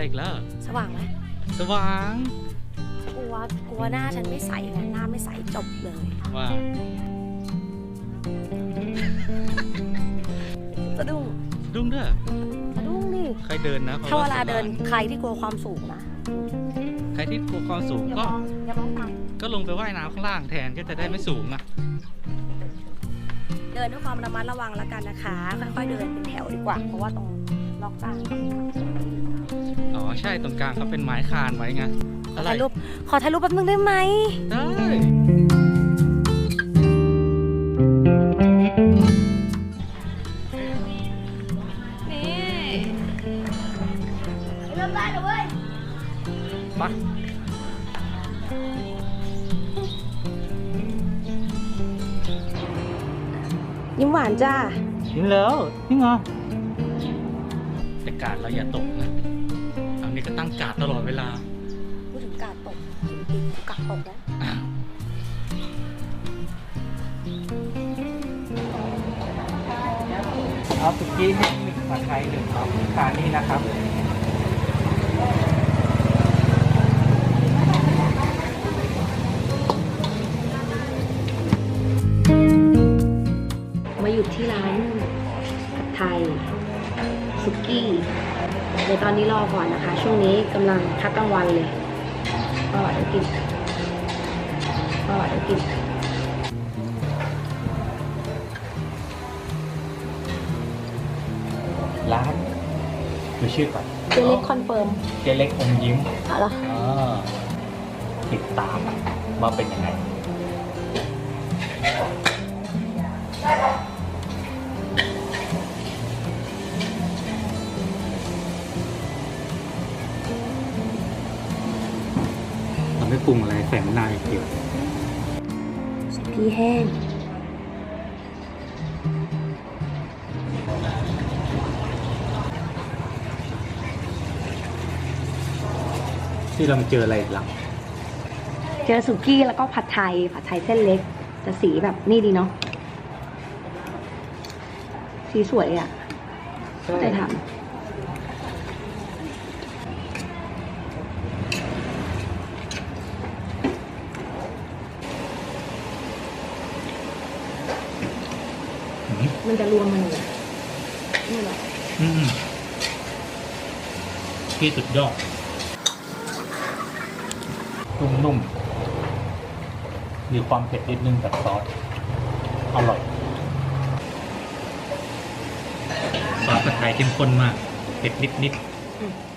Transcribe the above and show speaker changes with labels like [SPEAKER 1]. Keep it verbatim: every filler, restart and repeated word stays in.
[SPEAKER 1] อีกแล้ว
[SPEAKER 2] สว่างไหม
[SPEAKER 1] สว่าง
[SPEAKER 2] กลัวกลัวหน้าฉันไม่ใสไงหน้าไม่ใสจบเลย
[SPEAKER 1] ว่า
[SPEAKER 2] สะดุ้ง
[SPEAKER 1] สะดุ้งด้วย
[SPEAKER 2] สะดุ้งดิ
[SPEAKER 1] ใครเดินนะ
[SPEAKER 2] ถ้าเวลาเดินใครที่กลัวความสูงนะ
[SPEAKER 1] ใครที่กลัวความสูงก็ก็ลงไปว่ายน้ำข้างล่างแทนก็จะได้ไม่สูงอ่ะ
[SPEAKER 2] เดินด้วยความระมัดระวังแล้วกันนะคะค่อยๆเดินเป็นแถวดีกว่าเพราะว่าตรงล็อกกลาง
[SPEAKER 1] อ๋อใช่ตรงกลางเขาเป็นไม้คานไว้ไง
[SPEAKER 2] ขอถ่ายรูปขอถ่ายรูปแป๊บนึงได้ไหม
[SPEAKER 1] ได้
[SPEAKER 2] เริ่มได้แล้วเว้ย
[SPEAKER 1] มา
[SPEAKER 2] ยิ้มหวานจ้า
[SPEAKER 1] กินแล้วนี่ไงแต่กาดเราอย่าตกนะอันนี้ก็ตั้งกาดตลอดเวลา
[SPEAKER 2] พูดถึงกาดตกกาดตกแล้ว
[SPEAKER 1] เอาสุกี้ให้หนึ่งผัดไทยหนึ่งครับทานนี่นะครับ
[SPEAKER 2] มาอยู่ที่ร้านผัดไทยสุกี้ในตอนนี้รอก่อนนะคะช่วงนี้กำลังพักกลางวันเลยก็เดี๋ยวกินก็เดี๋ยวกิน
[SPEAKER 1] ร้านดูชื่อก่อน
[SPEAKER 2] เจเล็กคอนเฟิร์ม
[SPEAKER 1] เจเล็กอมยิ้ม
[SPEAKER 2] อะไร
[SPEAKER 1] ติดตามว่าเป็นยังไงเราไม่ปรุงอะไรใส่มะนาวอย่างเดียว
[SPEAKER 2] ใส่พริกแห้ง
[SPEAKER 1] ที่เราเจออะไรหลัง
[SPEAKER 2] เจอสุกี้แล้วก็ผัดไทยผัดไทยเส้นเล็กแต่สีแบบนี่ดีเนาะสีสวยอ่ะได้ทำมันจะรวมมันเลยนี่แหละ
[SPEAKER 1] อืมที่สุดยอดนุ่มๆมีความเผ็ดนิดนึงกับซอสอร่อยซอสผัดไทยเข้มข้นมากเผ็ดนิดๆ